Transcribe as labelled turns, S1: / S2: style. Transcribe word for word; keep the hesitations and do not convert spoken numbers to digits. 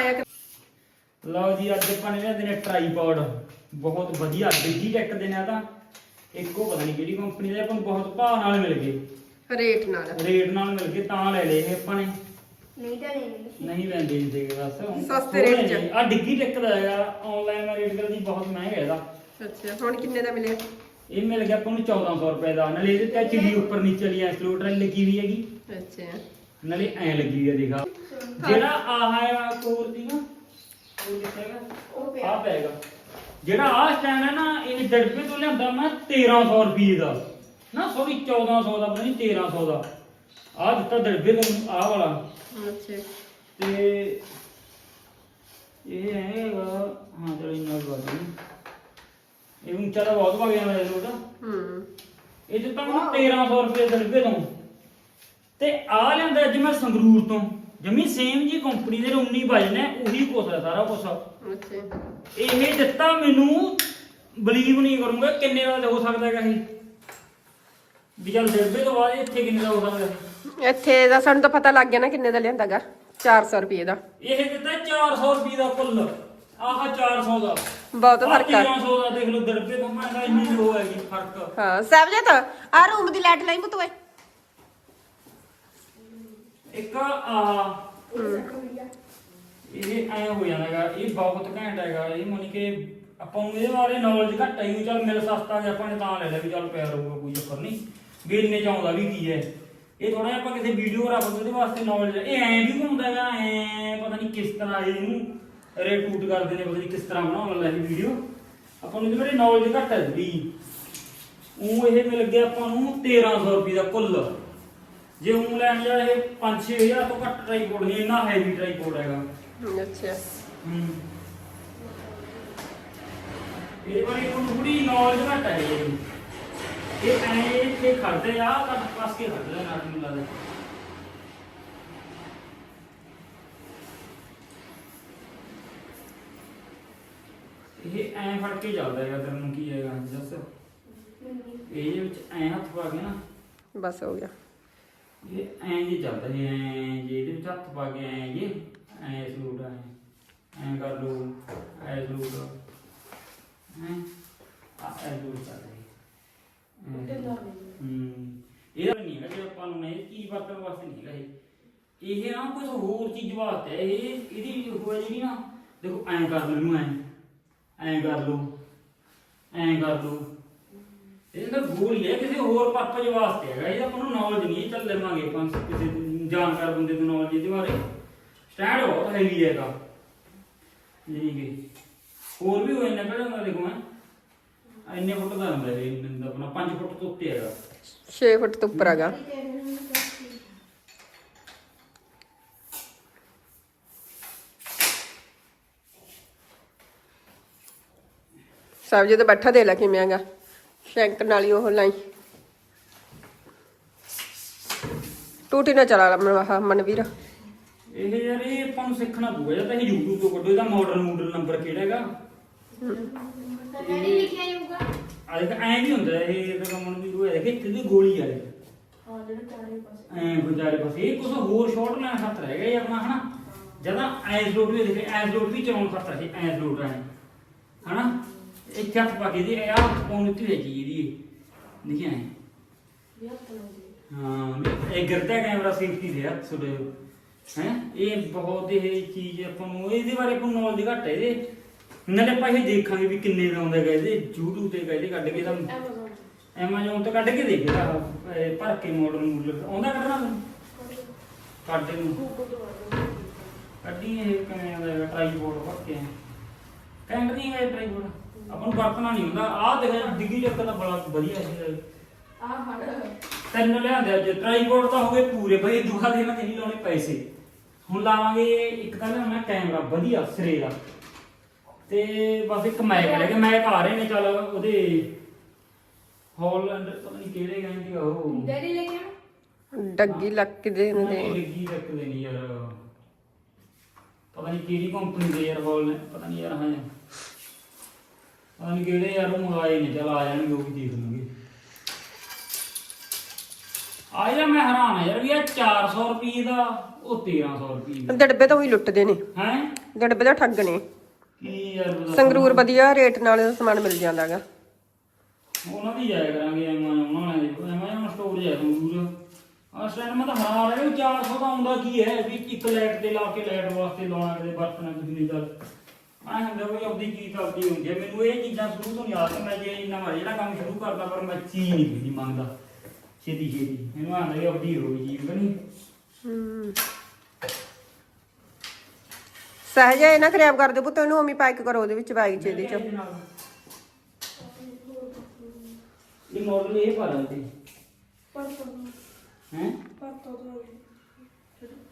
S1: ਆਇਆ
S2: ਲਓ ਜੀ ਅੱਜ ਆਪਾਂ ਨੇ ਲਿਆਂਦੇ ਨੇ ਟ੍ਰਾਈਪੋਡ ਬਹੁਤ ਵਧੀਆ ਡਿੱਗੀ ਟੈਕ ਦੇ ਨੇ ਤਾਂ ਇੱਕੋ ਪਤਾ ਨਹੀਂ ਕਿਹੜੀ ਕੰਪਨੀ ਦੇ ਆਪਾਂ ਨੂੰ ਬਹੁਤ ਭਾਅ ਨਾਲ ਮਿਲ ਗਏ
S1: ਰੇਟ ਨਾਲ
S2: ਰੇਟ ਨਾਲ ਮਿਲ ਗਏ ਤਾਂ ਲੈ ਲਏ ਇਹ ਆਪਾਂ ਨੇ
S3: ਨਹੀਂ ਤਾਂ ਨਹੀਂ
S2: ਨਹੀਂ ਲੈਂਦੇ ਹੁੰਦੇ ਬਸ
S1: ਸਸਤੇ ਰੇਟ 'ਚ
S2: ਆ ਡਿੱਗੀ ਟੈਕ ਦਾ ਹੈਗਾ ਆਨਲਾਈਨ ਰੇਟ ਕਰਦੀ ਬਹੁਤ ਮਹਿੰਗਾ ਇਹਦਾ
S1: ਅੱਛਾ ਹੁਣ ਕਿੰਨੇ ਦਾ ਮਿਲਿਆ
S2: ਇਹ ਮਿਲ ਗਿਆ ਆਪਾਂ ਨੂੰ ਚੌਦਾਂ ਸੌ ਰੁਪਏ ਦਾ ਨਾਲੇ ਇਹਦੇ ਤੇ ਚਿੜੀ ਉੱਪਰ ਨੀਚੇ ਵਾਲੀ ਐਕਸਲੂਟਰ ਲੱਗੀ ਹੋਈ ਹੈਗੀ
S1: ਅੱਛਾ
S2: ਨਾਲੇ ਐ ਲੱਗੀ ਹੋਈ ਹੈ ਦੇਖਾ ਜਿਹੜਾ ਆਹ ਹੈ ਕੋਰ ਦੀ ਨਾ ਉਹ ਕਿੱਥੇਗਾ
S3: ਉਹ
S2: ਆ ਪੈਗਾ ਜਿਹੜਾ ਆਹ ਸਟੈਂਡ ਹੈ ਨਾ ਇਹ ਡੜਪੇ ਤੋਂ ਲਿਆਂਦਾ ਮੈਂ ਤੇਰਾਂ ਸੌ ਰੁਪਏ ਦਾ ਨਾ ਸੌਰੀ ਚੌਦਾਂ ਸੌ ਦਾ ਪਤਾ ਨਹੀਂ ਤੇਰਾਂ ਸੌ ਦਾ ਆਹ ਦਿੱਤਾ ਡੜਪੇ ਤੋਂ ਆਹ ਵਾਲਾ
S1: ਅੱਛਾ
S2: ਤੇ ਇਹ ਹੈਗਾ ਹਾਂ ਚਲੋ ਇੰਨਾ ਬਾਤ ਨਹੀਂ ਇਹ ਉੱਚਾ ਦਾ ਬਹੁਤ ਵਗ ਜਾਂਦਾ ਇਹ ਲੋਟਾ
S1: ਹੂੰ
S2: ਇਹ ਦਿੱਤਾ ਮੈਨੂੰ ਤੇਰਾਂ ਸੌ ਰੁਪਏ ਡੜਪੇ ਤੋਂ ਤੇ ਆ ਲੈਂਦਾ ਅੱਜ ਮੈਂ ਸੰਗਰੂਰ ਤੋਂ ਜਮੀ ਸੇਮ ਜੀ ਕੰਪਨੀ ਦੇ ਉੱਨੀ ਵਜਨੇ ਉਹੀ ਕੁਛ ਹੈ ਸਾਰਾ ਕੁਛ
S1: ਅੱਛਾ
S2: ਇਹ ਦਿੱਤਾ ਮੈਨੂੰ ਬਲੀਵ ਨਹੀਂ ਕਰੂੰਗਾ ਕਿੰਨੇ ਦਾ ਹੋ ਸਕਦਾ ਹੈਗਾ ਇਹ ਵੀ ਚੱਲ ਡੱਬੇ ਤੋਂ ਬਾਅਦ ਇੱਥੇ ਕਿੰਨੇ ਦਾ ਹੋ ਸਕਦਾ
S1: ਇੱਥੇ ਦਾ ਸਾਨੂੰ ਤਾਂ ਪਤਾ ਲੱਗ ਗਿਆ ਨਾ ਕਿੰਨੇ ਦਾ ਲਿਆਂਦਾਗਾ ਚਾਰ ਸੌ ਰੁਪਏ ਦਾ
S2: ਇਹ ਦਿੱਤਾ ਚਾਰ ਸੌ ਰੁਪਏ ਦਾ ਕੁੱਲ ਆਹ ਚਾਰ ਸੌ ਦਾ
S1: ਬਹੁਤ ਫਰਕ ਆ
S2: ਤੇਰਾਂ ਸੌ ਦਾ ਦੇਖ ਲਓ ਡੱਬੇ ਤੋਂ ਮੈਂ ਤਾਂ ਇੰਨੀ ਲੋ ਹੈਗੀ ਫਰਕ
S1: ਹਾਂ ਸਾਹਿਬਜੀਤ ਆ ਰੂਮ ਦੀ ਲਾਈਟ ਲਾਈ ਬਤੂਏ
S2: ਇੱਕ ਆ ਇਹ ਐ ਹੋ ਜਾਂਦਾ ਹੈਗਾ ਇਹ ਬਹੁਤ ਘੈਂਟ ਹੈਗਾ ਇਹ ਮਨ ਕਿ ਆਪਾਂ ਨੂੰ ਇਹਦੇ ਬਾਰੇ ਨੌਲੇਜ ਘੱਟ ਆਈ ਚੱਲ ਮਿਲ ਸਸਤਾ ਜੇ ਆਪਾਂ ਨੇ ਤਾਂ ਲੈ ਲਿਆ ਵੀ ਚੱਲ ਪਿਆ ਰਹੂਗਾ ਕੋਈ ਚੱਕਰ ਨਹੀਂ ਵੀ ਇੰਨੇ ਚ ਆਉਂਦਾ ਵੀ ਕੀ ਹੈ ਇਹ ਥੋੜਾ ਆਪਾਂ ਕਿਸੇ ਵੀਡੀਓ ਰੱਖ ਉਹਦੇ ਵਾਸਤੇ ਨੌਲੇਜ ਇਹ ਐ ਵੀ ਘੁੰਮਦਾ ਹੈਗਾ ਐ ਪਤਾ ਨਹੀਂ ਕਿਸ ਤਰ੍ਹਾਂ ਇਹਨੂੰ ਰੇਟੂਟ ਕਰਦੇ ਨੇ ਪਤਾ ਨਹੀਂ ਕਿਸ ਤਰ੍ਹਾਂ ਬਣਾਉਣ ਲੱਗੀ ਵੀਡੀਓ ਆਪਾਂ ਨੂੰ ਇਹਦੇ ਬਾਰੇ ਨੌਲੇਜ ਘੱਟ ਹੈ ਥੋੜੀ ਉਹ ਇਹ ਮਿਲ ਗਿਆ ਆਪਾਂ ਨੂੰ ਤੇਰਾਂ ਸੌ ਰੁਪਏ ਦਾ ਕੁੱਲ ਜੇ ਉਹ ਲੈਣ ਜਾ ਇਹ ਪੰਜ ਛੇ ਹਜ਼ਾਰ ਤੋਂ ਘੱਟ ਟ੍ਰਾਈਪੋਡ ਨਹੀਂ ਇੰਨਾ ਹੈਵੀ ਟ੍ਰਾਈਪੋਡ ਹੈਗਾ
S1: ਅੱਛਾ
S2: ਹੂੰ ਇਹ ਵਾਲੀ ਕੋਈ ਥੋੜੀ ਨੌਲੇਜ ਘੱਟ ਹੈ ਇਹ ਇਹ ਐ ਇੱਥੇ ਖੜਦੇ ਆ ਕੱਟ ਪਾਸ ਕੇ ਖੜਦੇ ਨਾ ਮੈਨੂੰ ਲੱਗਦਾ ਇਹ ਐ ਫੜ ਕੇ ਚੱਲਦਾ ਹੈਗਾ ਤੈਨੂੰ ਕੀ ਹੈਗਾ ਦੱਸ ਇਹਦੇ ਵਿੱਚ ਐ ਹੱਥ ਪਾ ਕੇ ਨਾ
S1: ਬਸ ਹੋ ਗਿਆ
S2: ਇਹ ਐਂ ਜੀ ਚੱਲਦਾ ਜੀ ਐਂ ਜੀ ਇਹਦੇ ਵਿੱਚ ਹੱਥ ਪਾ ਕੇ ਐਂ ਜੀ ਐਂ ਸਲੂਟ ਐਂ ਐਂ ਕਰ ਲਓ ਐਂ ਸਲੂਟ ਹੈਂ ਆ ਐਂ ਸਲੂਟ ਚੱਲਦਾ ਜੀ ਹੂੰ ਇਹਦਾ ਨਹੀਂ ਹੈਗਾ ਜੇ ਆਪਾਂ ਨੂੰ ਇਹ ਚੀਜ਼ ਵਰਤਣ ਵਾਸਤੇ ਨਹੀਂ ਹੈਗਾ ਇਹ ਇਹ ਨਾ ਕੁਝ ਹੋਰ ਚੀਜ਼ ਵਾਸਤੇ ਹੈ ਇਹ ਇਹਦੀ ਹੋਇਆ ਜਿਹੜੀ ਨਾ ਦੇਖੋ ਐਂ ਕਰ ਲਓ ਇਹਨੂੰ ਐਂ ਐਂ ਕਰ ਲਓ ਐਂ ਕਰ ਲਓ ਇਹ ਤਾਂ ਗੋਲ ਹੀ ਹੈ ਕਿਸੇ ਹੋਰ ਪਰਪਸ ਵਾਸਤੇ ਹੈਗਾ ਇਹਦਾ ਆਪਾਂ ਨੂੰ ਨੌਲੇਜ ਨਹੀਂ ਚੱਲ ਲਵਾਂਗੇ ਆਪਾਂ ਕਿਸੇ ਜਾਣਕਾਰ ਬੰਦੇ ਤੋਂ ਨੌਲੇਜ ਇਹਦੇ ਬਾਰੇ ਸਟੈਂਡ ਬਹੁਤ ਹੈਵੀ ਹੈਗਾ ਜੀ ਕਿ ਹੋਰ ਵੀ ਹੋਏ ਨਿਕਲ ਜਾਂਦਾ ਦੇਖੋ ਮੈਂ ਇੰਨੇ ਫੁੱਟ ਦਾ ਹੁੰਦਾ ਇਹ ਆਪਣਾ ਪੰਜ ਫੁੱਟ ਤੋਂ ਉੱਤੇ ਹੈਗਾ
S1: ਛੇ ਫੁੱਟ ਤੋਂ ਉੱਪਰ ਹੈਗਾ ਸਾਹਿਬਜੀਤ ਬੈਠਾ ਦੇ ਲੈ ਕਿਵੇਂ ਹੈਗਾ ਸ਼ੈਂਕ ਨਾਲ ਹੀ ਉਹ ਲਾਈ ਟੂਟੀ ਨਾ ਚਲਾ ਲਾ ਮਨਵੀਰ
S2: ਇਹ ਯਾਰ ਇਹ ਆਪਾਂ ਨੂੰ ਸਿੱਖਣਾ ਪਊਗਾ ਜਾਂ ਤਾਂ ਇਹ YouTube ਤੋਂ ਕੱਢੋ ਇਹਦਾ ਮਾਡਲ ਮੂਡਲ ਨੰਬਰ ਕਿਹੜਾ ਹੈਗਾ
S3: ਪਤਾ ਨਹੀਂ ਲਿਖਿਆ ਜਾਊਗਾ
S2: ਆ ਦੇਖ ਐਂ ਵੀ ਹੁੰਦਾ ਇਹ ਤਾਂ ਮਨ ਵੀ ਹੋਇਆ ਦੇਖ ਇੱਥੇ ਦੀ ਗੋਲੀ ਆ ਇਹ
S3: ਹਾਂ ਜਿਹੜਾ ਚਾਰੇ ਪਾਸੇ
S2: ਐਂ ਵਿਚਾਰੇ ਪਾਸੇ ਇਹ ਕੁਝ ਹੋਰ ਸ਼ਾਟ ਲੈਣ ਖਾਤਰ ਹੈਗਾ ਇਹ ਆਪਣਾ ਹਨਾ ਜਦੋਂ ਐਸ ਲੋਡ ਵੀ ਦੇਖੇ ਐਸ ਲੋਡ ਵੀ ਚਲਾਉਣ ਖਾਤਰ ਹੈ ਐਸ ਲੋਡ ਹੈ ਹਨਾ ਇੱਥੇ ਹੱਥ ਪਾ ਕੇ ਦੀ ਇਹ ਹੱਥ ਪਾਉਣ ਉੱਤੇ ਹੈ ਜੀ ਇਹਦੀ ਦੇਖਿਆ ਹੈ ਹਾਂ ਇਹ ਗਿਰਦਾ ਕੈਮਰਾ ਸੇਫਟੀ ਦੇ ਹੱਥ ਸੁੜੇ ਹੈ ਇਹ ਬਹੁਤ ਇਹ ਚੀਜ਼ ਆਪਾਂ ਨੂੰ ਇਹਦੇ ਬਾਰੇ ਆਪਾਂ ਨੂੰ ਨੌਲੇਜ ਘੱਟ ਹੈ ਇਹਦੇ ਨਾਲੇ ਆਪਾਂ ਇਹ ਦੇਖਾਂਗੇ ਵੀ ਕਿੰਨੇ ਦਾ ਆਉਂਦਾ ਹੈਗਾ ਇਹਦੇ YouTube ਤੇ ਕਹਿੰਦੇ ਕੱਢ ਕੇ ਤਾਂ ਐਮਾਜ਼ੋਨ ਤੋਂ ਕੱਢ ਕੇ ਦੇਖਦਾ ਭਰ ਕੇ ਮਾਡਲ ਮੂਡਲ ਆਉਂਦਾ ਕੱਢਣਾ ਤੈਨੂੰ ਕੱਢ ਨੂੰ ਕੱਢੀ ਇਹ ਕਿਵੇਂ ਆਉਂਦਾ ਟ੍ਰਾਈਪੋਡ ਭਰ ਕੇ ਕਹਿੰਦੇ ਨਹੀਂ ਹੈ ਟ੍ਰਾਈਪੋਡ ਆਪਾਂ ਨੂੰ ਵਰਤਣਾ ਨਹੀਂ ਹੁੰਦਾ ਆਹ ਦੇਖ ਡਿੱਗੀ ਚੱਕਰ ਦਾ ਬੜਾ ਵਧੀਆ ਹੈ
S3: ਆਹ ਫੜ
S2: ਤਿੰਨ ਲਿਆਂਦੇ ਅੱਜ ਟ੍ਰਾਈਪੋਡ ਤਾਂ ਹੋ ਗਏ ਪੂਰੇ ਬਈ ਦੂਆ ਦੇ ਨਾਲ ਨਹੀਂ ਲਾਉਣੇ ਪੈਸੇ ਹੁਣ ਲਾਵਾਂਗੇ ਇੱਕ ਤਾਂ ਲਿਆਉਣਾ ਕੈਮਰਾ ਵਧੀਆ ਸਿਰੇ ਦਾ ਤੇ ਬਸ ਇੱਕ ਮੈਕ ਲੈ ਕੇ ਮੈਕ ਆ ਰਹੇ ਨੇ ਚੱਲ ਉਹਦੇ ਹਾਲੈਂਡ ਪਤਾ ਨਹੀਂ ਕਿਹੜੇ ਕਹਿੰਦੇ ਆ ਉਹ
S3: ਡੈਡੀ ਲੈ ਕੇ
S1: ਡੱਗੀ ਲੱਕ ਦੇ ਨੇ
S2: ਡੱਗੀ ਰੱਖਦੇ ਨਹੀਂ ਯਾਰ ਪਤਾ ਨਹੀਂ ਕਿਹੜੀ ਕੰਪਨੀ ਦੇ ਯਾਰ ਹਾਲ ਨੇ ਪਤਾ ਨਹੀਂ ਯਾਰ ਹਾਂ ਪਤਾ ਨਹੀਂ ਕਿਹੜੇ ਯਾਰ ਉਹ ਮੰਗਾਏ ਨੇ ਚੱਲ ਆ ਜਾਣਗੇ ਉਹ ਵੀ ਦੇਖ ਲਾਂਗੇ ਆ ਜਾ ਮੈਂ ਹੈਰਾਨ ਆ ਯਾਰ ਵੀ ਇਹ ਚਾਰ ਸੌ ਰੁਪਏ ਦਾ ਉਹ ਤੇਰਾਂ ਸੌ ਰੁਪਏ ਦਾ
S1: ਡੱਬੇ ਤੋਂ ਹੀ ਲੁੱਟਦੇ ਨੇ
S2: ਹੈ
S1: ਡੱਬੇ ਦਾ ਠੱਗ ਨੇ
S2: ਕੀ ਯਾਰ ਉਹਦਾ
S1: ਸੰਗਰੂਰ ਵਧੀਆ ਰੇਟ ਨਾਲ ਸਮਾਨ ਮਿਲ ਜਾਂਦਾਗਾ।
S2: ਉਹਨਾਂ ਦੀ ਜਾਇਆ ਕਰਾਂਗੇ ਐਮਾਜ਼ੋਨ ਉਹਨਾਂ ਦੇ ਐਮਾਜ਼ੋਨ ਸਟੋਰ ਜਾਇਆ ਸੰਗਰੂਰ ਆ ਸਟੈਂਡ ਮੈਂ ਤਾਂ ਹਾਂ ਰਹੇ ਚਾਰ ਸੌ ਦਾ ਆਉਂਦਾ ਕੀ ਹੈ ਵੀ ਇੱਕ ਲਾਈਟ ਤੇ ਲਾ ਕੇ ਲਾਈਟ ਵਾਸਤੇ ਲਾਉਣਾ ਕਿਤੇ ਵਰਤਣਾ ਕਿਸੇ ਦੀ ਗੱਲ ਆਹ ਹੁੰਦਾ ਕੋਈ ਆਪਣੀ ਚੀਜ਼ ਆਪਦੀ ਹੁੰਦੀ ਹੈ। ਮੈਨੂੰ ਇਹ ਚੀਜ਼ਾਂ ਸ਼ੁਰੂ ਤੋਂ ਯਾਦ ਹੈ ਮੈਂ ਜੇ ਇੰਨਾ ਵਾਰ ਜਿਹੜਾ ਕੰਮ ਸ਼ੁਰੂ ਕਰਦਾ ਪਰ ਮੈਂ ਚੀਜ਼ ਨਹੀਂ ਕਿਸੇ ਮੰਗਦਾ ਛੇਤੀ ਛੇਤੀ ਇਹਨੂੰ ਆਂਦਾ ਵੀ ਆਪਦੀ ਹੋਵੇ ਚੀਜ਼ ਕਿ ਨਹੀਂ।
S1: ਹੂੰ ਸਹਜਾ ਇਹ ਨਾ ਖਰਾਬ ਕਰ ਦਿਓ ਪੁੱਤ ਇਹਨੂੰ ਉਮੀ ਪੈਕ ਕਰੋ ਉਹਦੇ ਵਿੱਚ ਬੈਗ ਚ ਇਹਦੇ ਚ।
S2: ਇਹ ਮਾਡਲ ਇਹ ਪਾ ਲੈਂਦੇ
S3: ਪਰ ਪਰ
S2: ਹੈ
S3: ਪਰ ਤੋਂ